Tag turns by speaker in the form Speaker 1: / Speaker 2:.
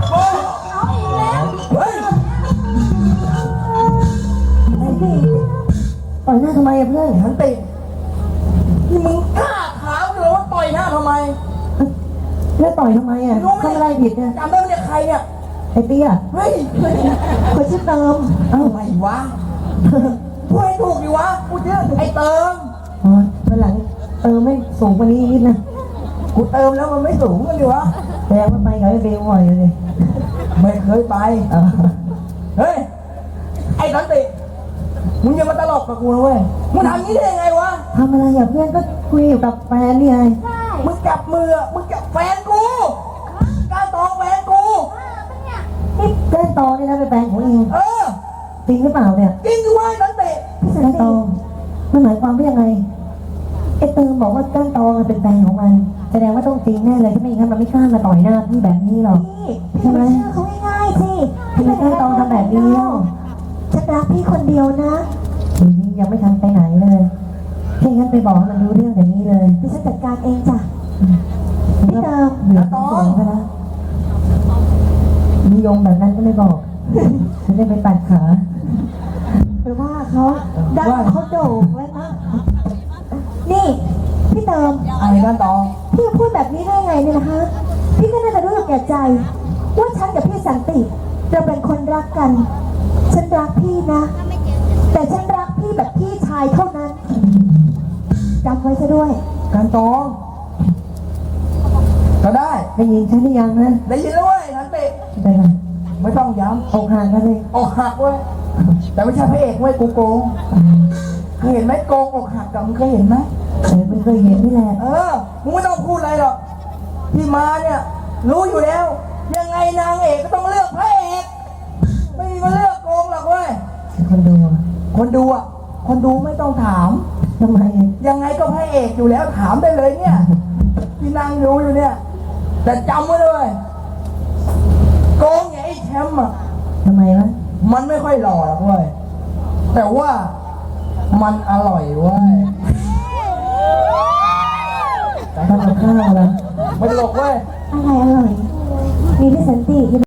Speaker 1: เฮ้ย
Speaker 2: ต่อยหน้าทำไมอะเพื่อน
Speaker 1: ฉันติดนี่มึงกล้าถามเลยว่าต่อยหน้าทำไม
Speaker 2: แล้วต่อยทำไมอะทำอะไรผิดเนี่ย
Speaker 1: จำได้ไหมเนี่ยใครเนี่ย
Speaker 2: ไอ้เตี้ย
Speaker 1: เฮ้ย
Speaker 2: คนชื่อเติมเอ้า
Speaker 1: ทำไมวะพูดให้ถูกดิวะกูเชื่อไอ้เติม
Speaker 2: อ๋อวันหลังเติมไม่สูงกว่านี้นิดนะ
Speaker 1: กูเติมแล้วมันไม่สูงกันดิวะ
Speaker 2: แสดงว่าไปกับไอ้เบลบ่อยเลย
Speaker 1: ไม่เคยไป
Speaker 2: เออ
Speaker 1: เฮ้ย ไอ้สันติมึงอย่ามาตลกกับกูนะเว้ยมึงทำงี้ได้ยังไงวะ
Speaker 2: ทำอะไรอะเพื่อนก็คุยอยู่กับแฟนนี่ไง
Speaker 1: มึงจับมืออะมึงจับแฟนกูกล้าตองแฟนกู
Speaker 2: นี่แก้นตองนี่นะเป็นแฟนของเอง
Speaker 1: เออ
Speaker 2: จริงหรือเปล่าเนี่ย
Speaker 1: จริงด้วยสันติ
Speaker 2: แก้นตองมันหมายความว่ายังไงไอ้เติมบอกว่าแก้นตองเป็นแฟนของมันแสดงว่าต้องจริงแน่เลยถ้าไม่อย่างนั้นมันไม่กล้ามาต่อยหน้าพี่แบบนี้หรอกใช่ไหม
Speaker 3: เขาง่ายๆสิ
Speaker 2: ทำไมแก้นตองทำแบบนี้เล่า
Speaker 3: ฉันรักพี่คนเดียวนะ
Speaker 2: ทีนี้ยังไม่ทันไปไหนเลยแค่งั้นไปบอกให้มันรู้เรื่องแบบนี้เลย
Speaker 3: ดิฉันจัดการเองจ้ะ
Speaker 2: พี่เติมเหลือตัวซะแล้วนิยมแบบนั้นก็ไม่บอกจะได้ไปปัดขา
Speaker 3: ไปว่าเขาดันเขาโด่งไว้นะนี่พี่เติม
Speaker 1: ไอ้ด้านตอง
Speaker 3: พี่พูดแบบนี้ได้ไงเนี่ยนะคะพี่ก็น่าจะรู้อยู่แก่ใจว่าฉันกับพี่สันติเราเป็นคนรักกัน ฉันรักพี่นะ แต่ฉันรักพี่แบบพี่ชายเท่านั้นจำไว้ซะด้วย
Speaker 1: การตองก็ได้
Speaker 2: ได้ยินฉันหรือยังนะ
Speaker 1: ได้ยินแล้วเว้ยสันติ
Speaker 2: ไปก่อน
Speaker 1: ไม่ต้องย้
Speaker 2: อกห่างกันเลย
Speaker 1: ำอกหักเว้ยแต่ไม่ใช่พระเอกเว้ยกูโกงเคยเห็นไหมโกงอกหักกับมึงเคยเห็นไหม
Speaker 2: ไม่เคยเห็นนี่แหละ
Speaker 1: มึงไม่ต้องพูดอะไรหรอกที่มาเนี่ยรู้อยู่แล้ว ยังไงนางเอกก็ต้องเลือกพระเอกไม่มีมาเลือกโกงหรอกเว้ย
Speaker 2: คนดูอะ
Speaker 1: คนดูอ่ะคนดูไม่ต้องถาม
Speaker 2: ทำไม
Speaker 1: ยังไงก็พระเอกอยู่แล้วถามได้เลยเนี่ยที่นางดูอยู่เนี่ยแต่จำไว้เลยโกงอย่างไอ้แชมป์อ่ะ
Speaker 2: ทำไมวะ
Speaker 1: มันไม่ค่อยหล่อหรอกเว้ยแต่ว่ามันอร่อยเว้ย
Speaker 2: ทำกับข้าวเหรอ
Speaker 1: ไม่ตลกเว้ย
Speaker 3: อะไรอร่อย มีพี่สันติ